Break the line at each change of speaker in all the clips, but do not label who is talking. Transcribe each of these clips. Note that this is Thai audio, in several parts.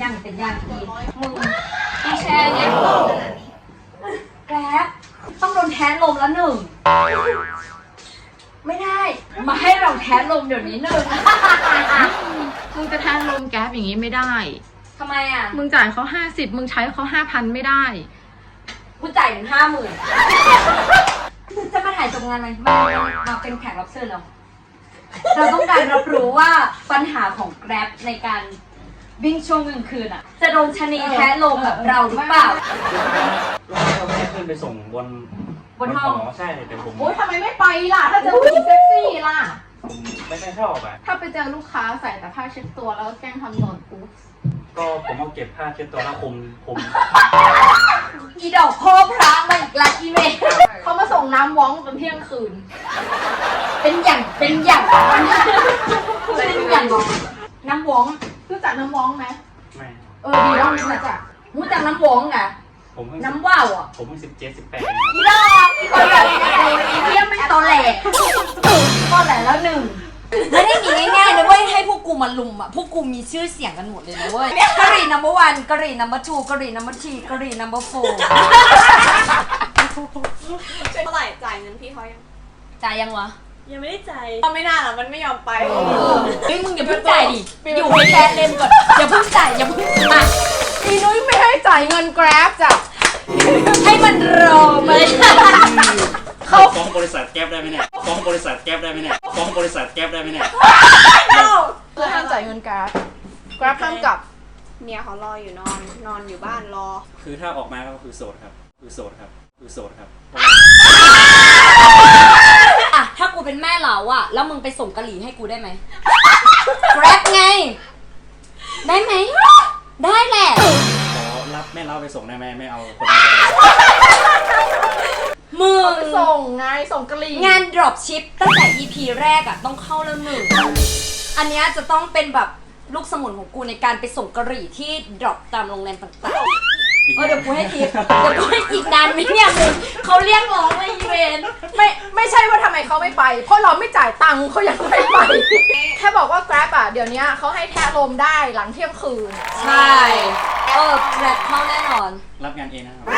างเป็นย่างทีมึงอีแชร์เนี่ยแกร็บต้องโดนแทนลมแล้วหนึ่งไม่ได้มาให้เราแทนลมเดี๋ยวนี้หนึ่ง
มึงจะแทนลมแก๊ปอย่างนี้ไม่ได้
ทำไมอ่ะ
มึงจ่ายเขา50มึงใช้เขา5,000ไม่ได้
กูจ่ายถึง50,000มึงจะมาถ่ายจบงานไหมมาเป็นแขกรับเชิญเราต้องการรับรู้ว่าปัญหาของแกร็บในการวิ่งช่วงกลางคืนอ่ะจะโดนชะนีแท้ลมแบบเราหรือเปล่า
เราแค่ขึ้นไปส่งบน
ห้อง
ใช่แต่ผม
โอ๊ยทำไมไม่ไปล่ะ ถ้าเจอผู้หญิงเซ็กซี่ล่ะ
ผมไม่ค่อยชอบอ่ะ
ถ้าไปเจอลูกค้าใส่แต่ผ้าเช็ดตัวแล้วแกล้งทำโดนปุ๊บ
ก็ผมเอาเก็บผ้าเช็ดตัวแล้วผม
อีดอกพ่อพระมาอีกแล้วอีเมย์
เขามาส่งน้ำว้องจนเที่ยงคืน
เป็นอย่างเป็นอย่างน้ำหวง
รู้จักน้ำว้องไหม
ไม่
ดีแล้วรู้จัก
รู้จักน้ำหวงอ่ะ
ผมเพิ่ง
น้ำว่าวอ่ะ
ผมเพิ่ง17-18
อีดอกอีคนแบบอีเที่ยไม่ตอแหลตอแหลแล้วหนึ่งไม่ได้มีง่ายๆนะเว้ยให้พวกกูมาลุมอ่ะพวกกูมีชื่อเสียงกันหมดเลยนะเว้ยกะหรี่นัมเบอร์วันกะหรี่นัมเบอร์ทูกะหรี่นัมเบอร์ทีกะหรี่นัมเบอร์โฟร์
เท่าไหร่จ่ายเงินพี่เขายัง
จ่ายยังวะ
ยังไม่ได้จ่ายก็ไม่น่าหรอกมันไม่ยอมไป
เฮ้ยมึงอย่าเพิ่งจ่ายดิอยู่ให้แคสเล่นก่อนอย่าเพิ่งจ่ายอย่าเพิ่งอ่ะ
อีนุ้ยไม่ให้จ่ายเงิน Grab จ้ะ
ให้มันรอมา
เขาฟ้องบริษัทแก๊ปได้ไหมเนี่ยฟ้องบริษัทแก๊ปได้ไหมเนี่ยฟ้องบริษัทแก๊ปได้ไหมเนี่ย
คือห้ามจ่ายเงิน Grab ห้ามกลับ
เมียเขารออยู่นอนอยู่บ้านรอ
คือถ้าออกมาก็คือโสดครับคือโสดครับคือโสดครับ
อ่ะถ้ากูเป็นแม่เราอ่ะแล้วมึงไปส่งกะหรี่ให้กูได้ไหม Grab ไงได้ไหมได้แหละ
ขอรับแม่เล่าไปส่งได้ไหมไม่เอาคน
มึง
ส่งไงส่งกะหรี่
งาน drop ship ตั้งแต่ EP แรกอ่ะต้องเข้าแล้วหนึ่งอันเนี้ยจะต้องเป็นแบบลูกสมุนของกูในการไปส่งกะหรี่ที่ drop ตามโรงแรมต่างๆเดี๋ยวกูให้ทิปเดี๋ยวกูให้อีกนานไหมเนี่ยมึงเขาเรียกร้องเลยอีเวน
ไม่ใช่ว่าทำไมเขาไม่ไป เพราะเราไม่จ่ายตังค์เขายังไม่ไป แค่บอกว่า Grab อ่ะเดี๋ยวนี้เขาให้แทะลมได้หลังเที่ยงคืน
ใช่Grab เข้าแน่นอน
รับงานเองนะครับ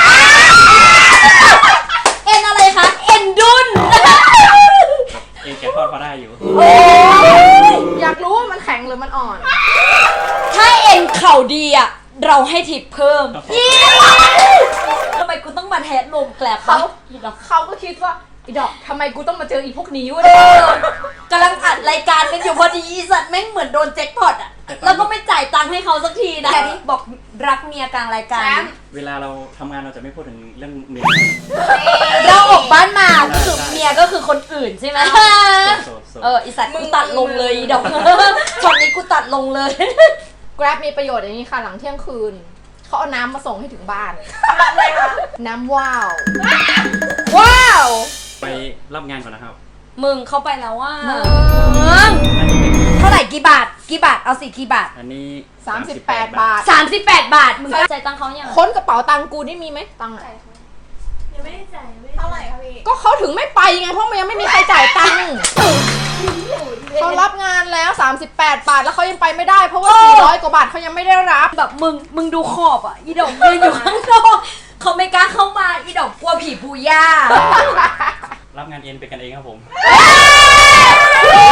เอ็นอะไรคะ เอ็นดุน
เองแกทอดพอได้อยู่
อยากรู้ว่ามันแข็งหรือมันอ่อน
ถ้าเอ็นเข่าดีอ่ะเราให้ทิปเพิ่มทำไมกูต้องมาแทสลมแกลบปะ
เขาก็คิดว่าอีดอกทำไมกูต้องมาเจออีพวกนี้วะ
กำลังอัดรายการกันอยู่พอดีอีสัตว์แม่งเหมือนโดนแจ็คพอตอ่ะแล้วก็ไม่จ่ายตังค์ให้เขาสักทีนะที่บอกรักเมียกลางรายการ
เวลาเราทำงานเราจะไม่พูดถึงเรื่องเมีย
เราออกบ้านมาก็คือเมียก็คือคนอื่นใช่ไหม
โสด
อีสัตว์กูตัดลงเลยอีดอกช็อตนี้กูตัดลงเลย
Grab มีประโยชน์อย่างนี้ค่ะหลังเที่ยงคืนเขาเอาน้ำมาส่งให้ถึงบ้าน
อะไรคะ
น้ำว้าว ว้าว
ไปรับงานก่อนนะครับ
มึงเข้าไปแล้วว่า
มึง
อันนี้เป็น
เท่าไหร่กี่บาทเอาสิกี่บาท
อันนี้
38 บาท
38 บาทมึงจ่ายตังค์เขายัง
ค้นกระเป๋าตังกูนี่มีไหมตังค์อะ
ยังไม่ได้จ่ายเท่าไหร่คะพี่
ก็เขาถึงไม่ไปไงเพราะมันยังไม่มีใครจ่ายตังค์เขารับงานแล้ว 38 บาทแล้วเขายังไปไม่ได้เพราะว่า 400 กว่าบาทเขายังไม่ได้รับ
แบบมึงดูขอบอ่ะอีดอกยืนอยู่ข้างนอกเขาไม่กล้าเข้ามาอีดอกกลัวผีปูย่า
รับงานเอ็นเป็นกันเองครับผม
เ